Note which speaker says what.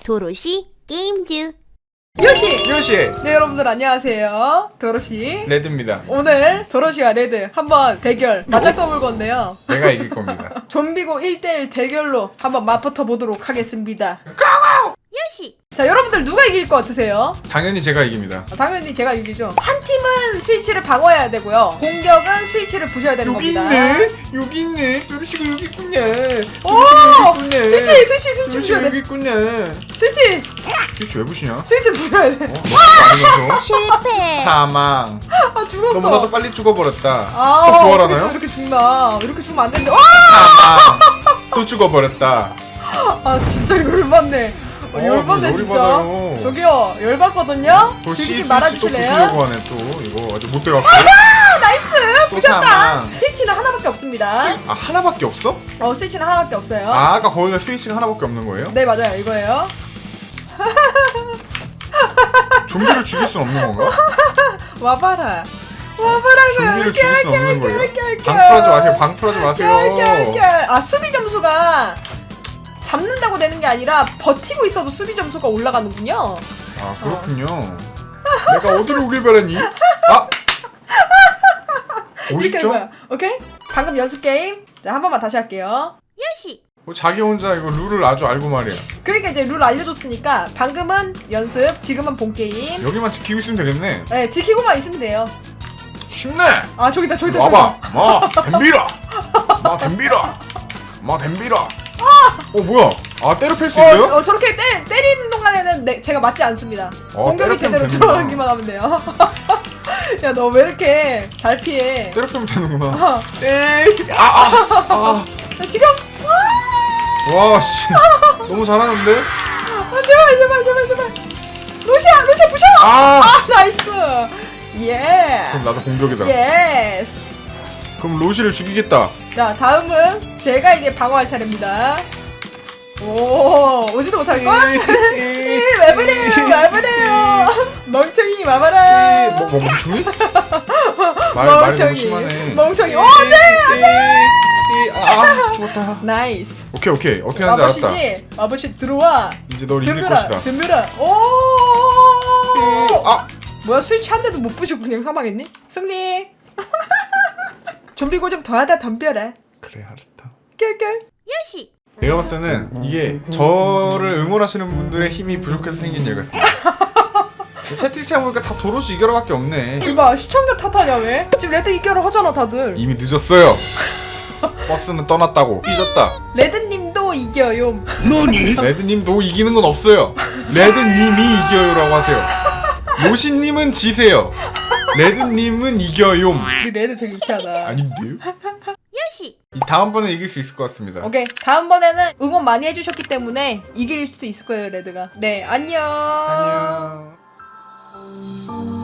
Speaker 1: 도로시 게임즈.
Speaker 2: 요시!
Speaker 3: 네, 여러분들 안녕하세요. 도로시.
Speaker 2: 레드입니다.
Speaker 3: 오늘 도로시와 레드 한번 대결 맞짱 떠볼 건데요.
Speaker 2: 내가 이길 겁니다.
Speaker 3: 좀비고 1대1 대결로 한번 맞붙어 보도록 하겠습니다.
Speaker 1: 요시.
Speaker 3: 자, 여러분들 누가 이길 것 같으세요?
Speaker 2: 당연히 제가 이깁니다.
Speaker 3: 당연히 제가 이기죠. 한 팀은 스위치를 방어해야 되고요. 공격은 스위치를 부셔야 되는
Speaker 2: 여기
Speaker 3: 겁니다.
Speaker 2: 있네! 여기 있네! 도르시가 여기 있군요!
Speaker 3: 오!
Speaker 2: 도르시가 여기 있군요!
Speaker 3: 스위치 부셔야
Speaker 2: 도르시가 여기
Speaker 3: 돼.
Speaker 2: 있군요!
Speaker 3: 스위치
Speaker 2: 왜 부시냐?
Speaker 3: 스위치 부셔야 돼.
Speaker 2: 아니면서
Speaker 1: 실패.
Speaker 2: 사망.
Speaker 3: 아, 죽었어.
Speaker 2: 너무나도 빨리 죽어버렸다.
Speaker 3: 아,
Speaker 2: 또
Speaker 3: 어떻게
Speaker 2: 부활하나요?
Speaker 3: 또 이렇게 죽나? 이렇게 죽으면 안 되는데. 와!
Speaker 2: 사망. 또 죽어버렸다.
Speaker 3: 아, 진짜 열받네. 열받네
Speaker 2: 열이
Speaker 3: 진짜.
Speaker 2: 받아요.
Speaker 3: 저기요, 열받거든요.
Speaker 2: 또
Speaker 3: 즐기지
Speaker 2: 스위치 또
Speaker 3: 말아주실래요?
Speaker 2: 부시려고 하네 또. 이거 아주 못돼갖고.
Speaker 3: 아, 나이스!
Speaker 2: 또
Speaker 3: 부셨다.
Speaker 2: 사망.
Speaker 3: 스위치는 하나밖에 없습니다.
Speaker 2: 아 하나밖에 없어?
Speaker 3: 스위치는 하나밖에 없어요.
Speaker 2: 아 아까 거기가 스위치가 하나밖에 없는 거예요?
Speaker 3: 네, 맞아요. 이거예요.
Speaker 2: 좀비를 죽일 순 없는 건가?
Speaker 3: 와봐라. 와봐라고요.
Speaker 2: 좀비를 죽일 수 없는 거예요?
Speaker 3: 깰.
Speaker 2: 방 풀하지 마세요. 방 풀하지 마세요.
Speaker 3: 깰. 아, 수비 점수가 잡는다고 되는 게 아니라 버티고 있어도 수비 점수가 올라가는군요.
Speaker 2: 아 그렇군요. 내가 어디로 오길 바라니? 아!
Speaker 3: 이렇게 하는
Speaker 2: 50점?
Speaker 3: 거야. 오케이? 방금 연습 게임. 자, 한 번만 다시 할게요.
Speaker 1: 요시.
Speaker 2: 자기 혼자 이거 룰을 아주 알고 말이야.
Speaker 3: 그러니까 이제 룰 알려줬으니까 방금은 연습, 지금은 본 게임.
Speaker 2: 여기만 지키고 있으면 되겠네.
Speaker 3: 네, 지키고만 있으면 돼요.
Speaker 2: 쉽네.
Speaker 3: 아, 저기다.
Speaker 2: 와봐. 마 덤비라. 마 덤비라. 마 덤비라. 뭐야? 아 때려 팰 수 있어요?
Speaker 3: 저렇게 때리는 동안에는 제가 맞지 않습니다. 공격이
Speaker 2: 때려
Speaker 3: 제대로
Speaker 2: 패면 되는구나.
Speaker 3: 들어가기만 하면 돼요. 야, 너 왜 이렇게 잘 피해?
Speaker 2: 때려 패면 되는구나.
Speaker 3: 어.
Speaker 2: 에이.
Speaker 3: 자, 지금.
Speaker 2: 와 씨. 너무 잘하는데?
Speaker 3: 제발. 루시아 부셔! 나이스! 예!
Speaker 2: 그럼 나도 공격이다.
Speaker 3: 예스!
Speaker 2: 그럼 로시를 죽이겠다.
Speaker 3: 자, 다음은 제가 이제 방어할 차례입니다. 오지도 못할걸? 왜 그래요? 멍청이 와봐라!
Speaker 2: 멍청이? 말이 너무 심하네.
Speaker 3: 멍청이.
Speaker 2: 죽었다.
Speaker 3: 나이스.
Speaker 2: 오케이 어떻게 하는지 알았다.
Speaker 3: 마법씨 들어와.
Speaker 2: 이제 널 이길 것이다.
Speaker 3: 덤벼라.
Speaker 2: 아!
Speaker 3: 뭐야, 스위치 한 대도 못 부시고 그냥 사망했니? 승리. 좀비고 좀 더 하다 덤벼라.
Speaker 2: 그래 알았다.
Speaker 3: 깰.
Speaker 1: 요시.
Speaker 2: 내가 봤을 때는 이게 저를 응원하시는 분들의 힘이 부족해서 생긴 일 같습니다. 채팅창 보니까 다 도로시 이겨라밖에 없네.
Speaker 3: 이봐, 시청자 탓하냐 왜? 지금 레드 이겨를 하잖아 다들.
Speaker 2: 이미 늦었어요. 버스는 떠났다고. 삐졌다.
Speaker 3: 레드님도 이겨요.
Speaker 2: 레드님도 이기는 건 없어요. 레드님이 이겨요라고 하세요. 로시님은 지세요. 레드님은 이겨요.
Speaker 3: 우리 레드 되게 유치하다.
Speaker 2: 아닌데요?
Speaker 1: 요시.
Speaker 2: 이 다음번에 이길 수 있을 것 같습니다.
Speaker 3: 오케이, 다음번에는 응원 많이 해주셨기 때문에 이길 수 있을 거예요, 레드가. 네, 안녕.
Speaker 2: 안녕.